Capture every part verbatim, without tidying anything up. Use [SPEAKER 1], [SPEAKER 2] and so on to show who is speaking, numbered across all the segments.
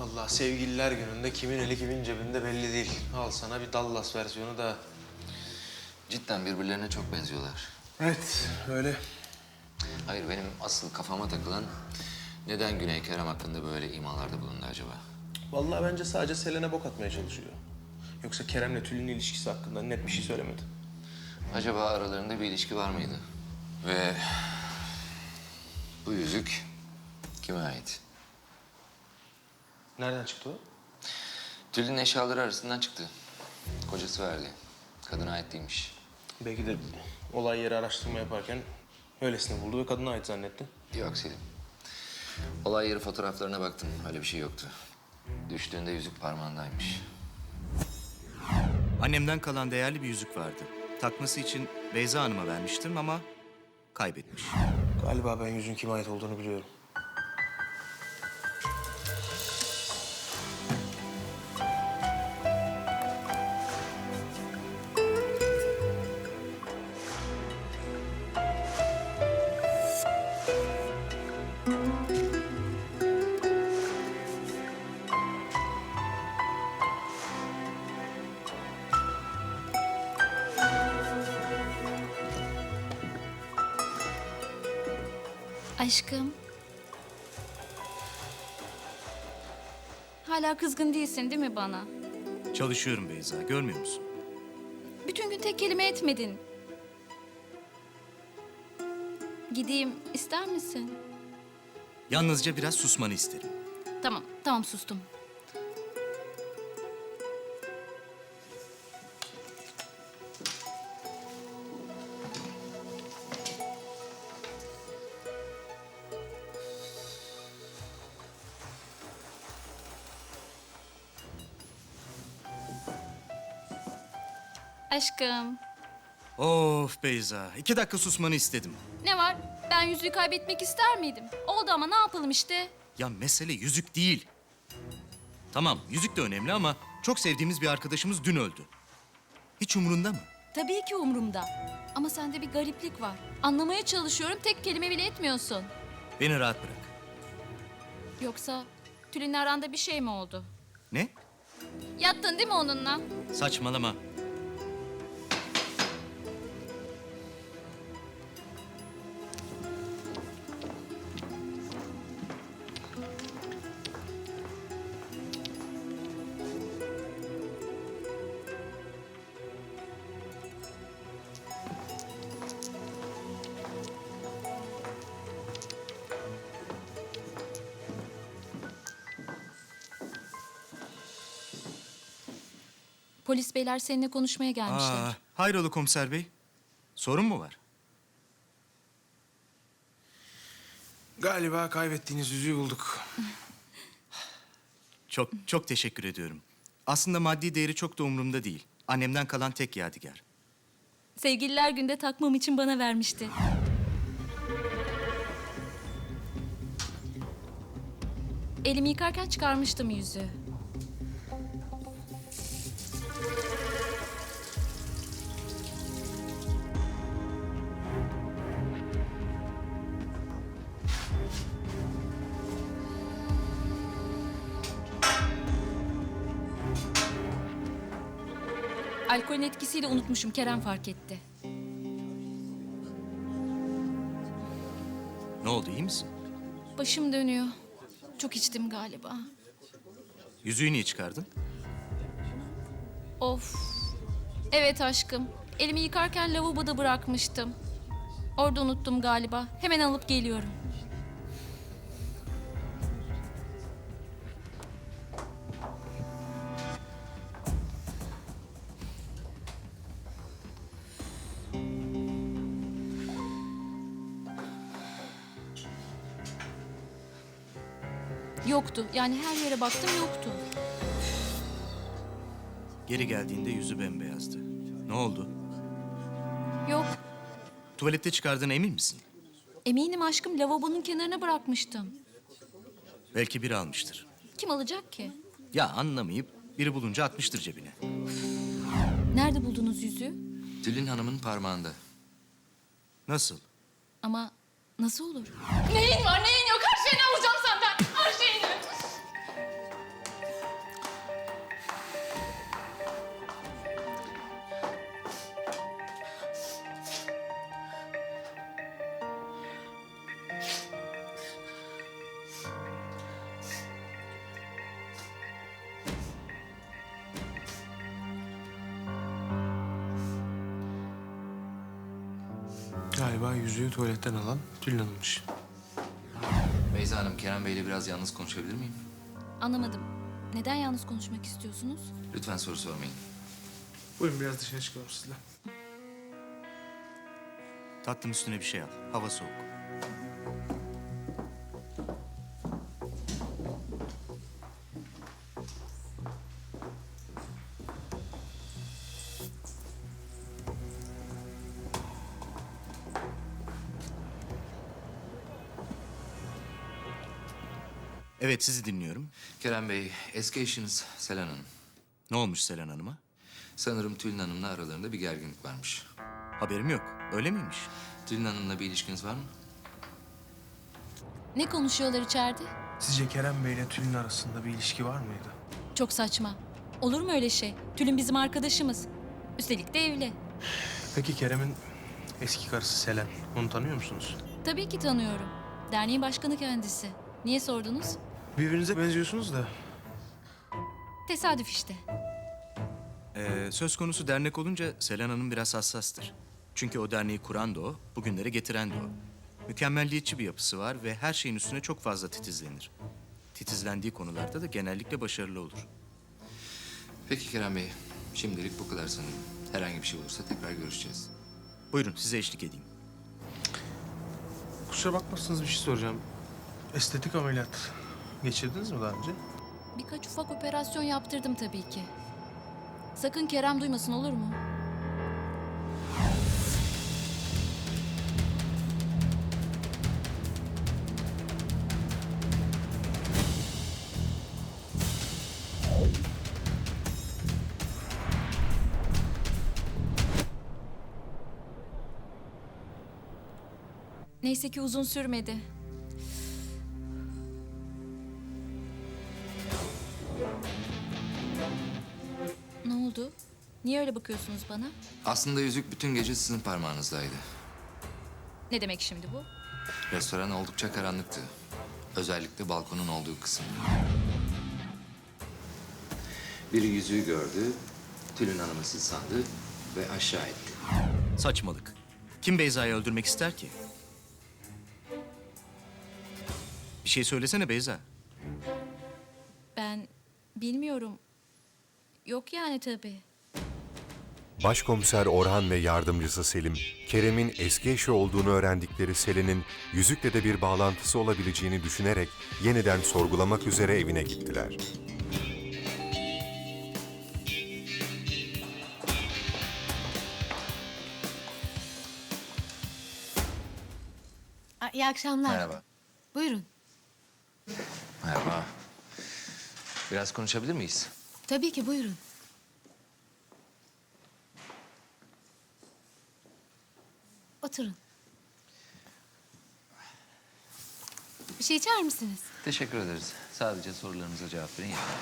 [SPEAKER 1] Vallahi sevgililer gününde kimin eli kimin cebinde belli değil. Al sana bir Dallas versiyonu da.
[SPEAKER 2] Cidden birbirlerine çok benziyorlar.
[SPEAKER 1] Evet, öyle.
[SPEAKER 2] Hayır, benim asıl kafama takılan neden Güney Kerem hakkında böyle imalarda bulundu acaba?
[SPEAKER 1] Vallahi bence sadece Selen'e bok atmaya çalışıyor. Yoksa Kerem'le Tülin'in ilişkisi hakkında net bir şey söylemedi.
[SPEAKER 2] Acaba aralarında bir ilişki var mıydı? Ve bu yüzük kime ait?
[SPEAKER 1] Nereden çıktı o?
[SPEAKER 2] Tülin'in eşyaları arasından çıktı. Kocası verdi. Kadına ait değilmiş.
[SPEAKER 1] Belki de olay yeri araştırma yaparken öylesine buldu ve kadına ait zannetti.
[SPEAKER 2] Yok Selim. Olay yeri fotoğraflarına baktım. Öyle bir şey yoktu. Düştüğünde yüzük parmağındaymış.
[SPEAKER 3] Annemden kalan değerli bir yüzük vardı. Takması için Beyza Hanım'a vermiştim ama kaybetmiş.
[SPEAKER 1] Galiba ben yüzün kime ait olduğunu biliyorum.
[SPEAKER 4] Aşkım. Hala kızgın değilsin değil mi bana?
[SPEAKER 3] Çalışıyorum Beyza, görmüyor musun?
[SPEAKER 4] Bütün gün tek kelime etmedin. Gideyim ister misin?
[SPEAKER 3] Yalnızca biraz susmanı isterim.
[SPEAKER 4] Tamam, tamam sustum. Aşkım.
[SPEAKER 3] Of Beyza, iki dakika susmanı istedim.
[SPEAKER 4] Ne var? Ben yüzüğü kaybetmek ister miydim? Oldu ama ne yapalım işte?
[SPEAKER 3] Ya mesele yüzük değil. Tamam, yüzük de önemli ama çok sevdiğimiz bir arkadaşımız dün öldü. Hiç umurunda mı?
[SPEAKER 4] Tabii ki umurumda. Ama sende bir gariplik var. Anlamaya çalışıyorum, tek kelime bile etmiyorsun.
[SPEAKER 3] Beni rahat bırak.
[SPEAKER 4] Yoksa Tülin'le aranda bir şey mi oldu?
[SPEAKER 3] Ne?
[SPEAKER 4] Yattın değil mi onunla?
[SPEAKER 3] Saçmalama.
[SPEAKER 4] Polis beyler seninle konuşmaya gelmişler.
[SPEAKER 3] Aa, hayrola komiser bey? Sorun mu var?
[SPEAKER 1] Galiba kaybettiğiniz yüzüğü bulduk.
[SPEAKER 3] Çok, çok teşekkür ediyorum. Aslında maddi değeri çok da umurumda değil. Annemden kalan tek yadigar.
[SPEAKER 4] Sevgililer günde takmam için bana vermişti. Elimi yıkarken çıkarmıştım yüzüğü. Alkolün etkisiyle unutmuşum. Kerem fark etti.
[SPEAKER 3] Ne oldu, iyi misin?
[SPEAKER 4] Başım dönüyor. Çok içtim galiba.
[SPEAKER 3] Yüzüğü niye çıkardın?
[SPEAKER 4] Of. Evet aşkım. Elimi yıkarken lavaboda bırakmıştım. Orada unuttum galiba. Hemen alıp geliyorum. Yoktu. Yani her yere baktım yoktu.
[SPEAKER 3] Geri geldiğinde yüzü bembeyazdı. Ne oldu?
[SPEAKER 4] Yok.
[SPEAKER 3] Tuvalette çıkardığına emin misin?
[SPEAKER 4] Eminim aşkım, lavabonun kenarına bırakmıştım.
[SPEAKER 3] Belki biri almıştır.
[SPEAKER 4] Kim alacak ki?
[SPEAKER 3] Ya anlamayıp biri bulunca atmıştır cebine.
[SPEAKER 4] Nerede buldunuz yüzüğü?
[SPEAKER 2] Tülin Hanım'ın parmağında.
[SPEAKER 3] Nasıl?
[SPEAKER 4] Ama nasıl olur?
[SPEAKER 5] Neyin var neyin yok her şeyini alacağım senden. Her şeyini.
[SPEAKER 1] Galiba yüzüğü tuvaletten alan Tülin Hanım'mış.
[SPEAKER 2] Beyza Hanım, Kerem Bey'le biraz yalnız konuşabilir miyim?
[SPEAKER 4] Anlamadım. Neden yalnız konuşmak istiyorsunuz?
[SPEAKER 2] Lütfen soru sormayın.
[SPEAKER 1] Buyurun biraz dışarı çıkalım sizle.
[SPEAKER 3] Tatlım üstüne bir şey al. Hava soğuk. Evet, sizi dinliyorum.
[SPEAKER 2] Kerem Bey, eski eşiniz Selen Hanım.
[SPEAKER 3] Ne olmuş Selen Hanım'a?
[SPEAKER 2] Sanırım Tülin Hanım'la aralarında bir gerginlik varmış.
[SPEAKER 3] Haberim yok. Öyle miymiş?
[SPEAKER 2] Tülin Hanım'la bir ilişkiniz var mı?
[SPEAKER 4] Ne konuşuyorlar içeride?
[SPEAKER 1] Sizce Kerem Bey ile Tülin arasında bir ilişki var mıydı?
[SPEAKER 4] Çok saçma. Olur mu öyle şey? Tülin bizim arkadaşımız. Üstelik de evli.
[SPEAKER 1] Peki Kerem'in eski karısı Selen, onu tanıyor musunuz?
[SPEAKER 4] Tabii ki tanıyorum. Derneğin başkanı kendisi. Niye sordunuz?
[SPEAKER 1] Birbirinize benziyorsunuz da.
[SPEAKER 4] Tesadüf işte.
[SPEAKER 3] Ee, söz konusu dernek olunca Selen Hanım biraz hassastır. Çünkü o derneği kuran da o, bugünlere getiren de o. Mükemmelliyetçi bir yapısı var ve her şeyin üstüne çok fazla titizlenir. Titizlendiği konularda da genellikle başarılı olur.
[SPEAKER 2] Peki Kerem Bey, şimdilik bu kadar sanırım. Herhangi bir şey olursa tekrar görüşeceğiz.
[SPEAKER 3] Buyurun, size eşlik edeyim.
[SPEAKER 1] Kusura bakmazsınız bir şey soracağım. Estetik ameliyat geçirdiniz mi daha önce?
[SPEAKER 4] Birkaç ufak operasyon yaptırdım tabii ki. Sakın Kerem duymasın, olur mu? Neyse ki uzun sürmedi. Ne oldu? Niye öyle bakıyorsunuz bana?
[SPEAKER 2] Aslında yüzük bütün gece sizin parmağınızdaydı.
[SPEAKER 4] Ne demek şimdi bu?
[SPEAKER 2] Restoran oldukça karanlıktı. Özellikle balkonun olduğu kısım. Biri yüzüğü gördü, Tülin Hanım'ı siz sandı ve aşağı etti.
[SPEAKER 3] Saçmalık. Kim Beyza'yı öldürmek ister ki? Bir şey söylesene Beyza.
[SPEAKER 4] Ben bilmiyorum. Yok yani tabii.
[SPEAKER 5] Başkomiser Orhan ve yardımcısı Selim, Kerem'in eski eşi olduğunu öğrendikleri Selin'in yüzükle de bir bağlantısı olabileceğini düşünerek yeniden sorgulamak üzere evine gittiler.
[SPEAKER 6] Aa, İyi akşamlar.
[SPEAKER 2] Merhaba.
[SPEAKER 6] Buyurun.
[SPEAKER 2] Merhaba. Biraz konuşabilir miyiz?
[SPEAKER 6] Tabii ki buyurun. Oturun. Bir şey içer misiniz?
[SPEAKER 2] Teşekkür ederiz. Sadece sorularımıza cevap verin yeter.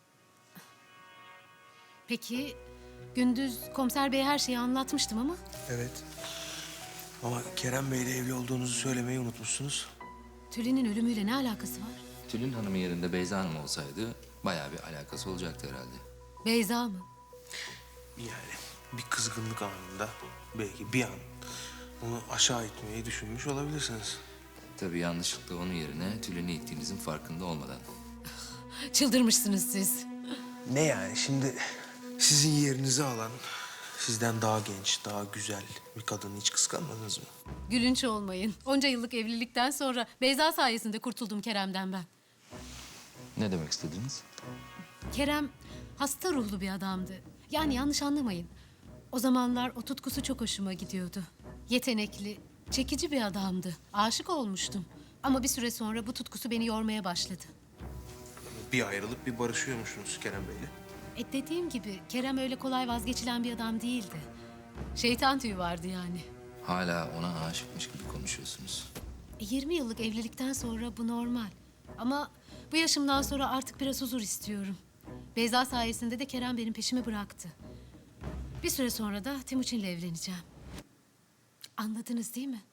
[SPEAKER 6] Peki, gündüz komiser bey her şeyi anlatmıştım ama...
[SPEAKER 1] Evet. Ama Kerem Bey'le evli olduğunuzu söylemeyi unutmuşsunuz.
[SPEAKER 6] Tülin'in ölümüyle ne alakası var?
[SPEAKER 2] Tülin Hanım'ın yerinde Beyza Hanım olsaydı bayağı bir alakası olacaktı herhalde.
[SPEAKER 6] Beyza mı?
[SPEAKER 1] Yani bir kızgınlık anında belki bir an onu aşağı itmeyi düşünmüş olabilirsiniz.
[SPEAKER 2] Tabii yanlışlıkla onun yerine Tülin'i ittiğinizin farkında olmadan.
[SPEAKER 6] Çıldırmışsınız siz.
[SPEAKER 1] Ne yani şimdi sizin yerinizi alan, sizden daha genç, daha güzel bir kadını hiç kıskanmadınız mı?
[SPEAKER 6] Gülünç olmayın. Onca yıllık evlilikten sonra Beyza sayesinde kurtuldum Kerem'den ben.
[SPEAKER 2] Ne demek istediniz?
[SPEAKER 6] Kerem hasta ruhlu bir adamdı. Yani yanlış anlamayın. O zamanlar o tutkusu çok hoşuma gidiyordu. Yetenekli, çekici bir adamdı. Aşık olmuştum. Ama bir süre sonra bu tutkusu beni yormaya başladı.
[SPEAKER 1] Bir ayrılıp bir barışıyormuşsunuz Kerem Bey'le.
[SPEAKER 6] E dediğim gibi Kerem öyle kolay vazgeçilen bir adam değildi. Şeytan tüyü vardı yani.
[SPEAKER 2] Hala ona aşıkmış gibi konuşuyorsunuz.
[SPEAKER 6] E, yirmi yıllık evlilikten sonra bu normal. Ama bu yaşımdan sonra artık biraz huzur istiyorum. Beyza sayesinde de Kerem benim peşimi bıraktı. Bir süre sonra da Timuçin'le evleneceğim. Anladınız değil mi?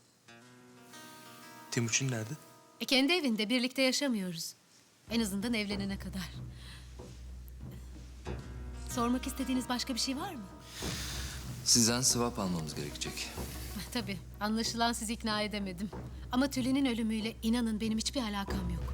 [SPEAKER 1] Timuçin nerede?
[SPEAKER 6] E kendi evinde birlikte yaşamıyoruz. En azından evlenene kadar. Sormak istediğiniz başka bir şey var mı?
[SPEAKER 2] Sizden swap almamız gerekecek.
[SPEAKER 6] tabii. Anlaşılan sizi ikna edemedim. Ama Tülin'in ölümüyle inanın benim hiçbir alakam yok.